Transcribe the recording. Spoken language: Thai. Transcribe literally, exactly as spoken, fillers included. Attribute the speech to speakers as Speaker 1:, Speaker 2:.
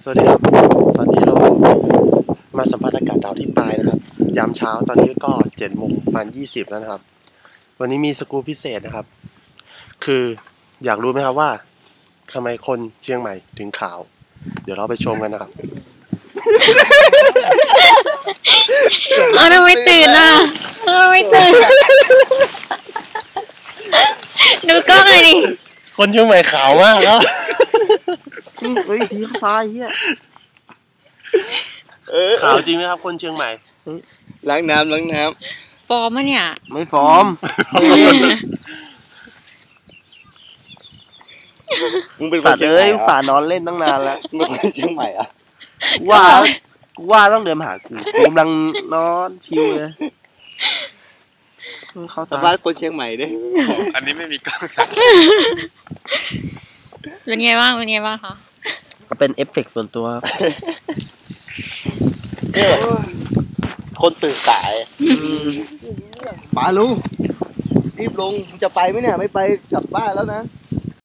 Speaker 1: สวัสดีครับตอนนี้เรามาสัมผัสอากาศดาวที่ปลายนะครับยามเช้าตอนนี้ก็เจ็ดโมงประมาณยี่สิบแล้วนะครับวันนี้มีสกู๊ปพิเศษนะครับคืออยากรู้ไหมครับว่าทำไมคนเชียงใหม่ถึงขาวเดี๋ยวเราไปชมกันนะครับ
Speaker 2: เอาทำไมตื่นอ่ะทำไมตื่นดูกล้องเลยดิ
Speaker 1: คนเชียงใหม่ขาวมากครับ
Speaker 3: เฮ้ยทีเขาตายเฮีย
Speaker 1: ขาวจริงไหมครับคนเชียงใหม่
Speaker 3: ล้างน้ำล้างน้
Speaker 2: ฟอร์มอ่ะเนี่ย
Speaker 3: ำไม่ฟอร์มมึงเป็นคนเชียงใหม่ฝานอนเล่นตั้งนานแล้วมึงเป็นคนเชียงใหม่อ่ะว่าว่าต้องเดินมาหากูกำลังนอนชิวเลยเขาสัมภาษณ์คนเชียงใหม่ดิ
Speaker 4: อันนี้ไม่มีกล้อง
Speaker 2: เป็นไงบ้างเป็นไงบ้างคะ
Speaker 3: เป็นเอฟเฟกต์ส่วนตัวเนี่ยคนตื่นสายมาลุงรีบลงจะไปไหมเนี่ยไม่ไปกลับบ้านแล้วนะ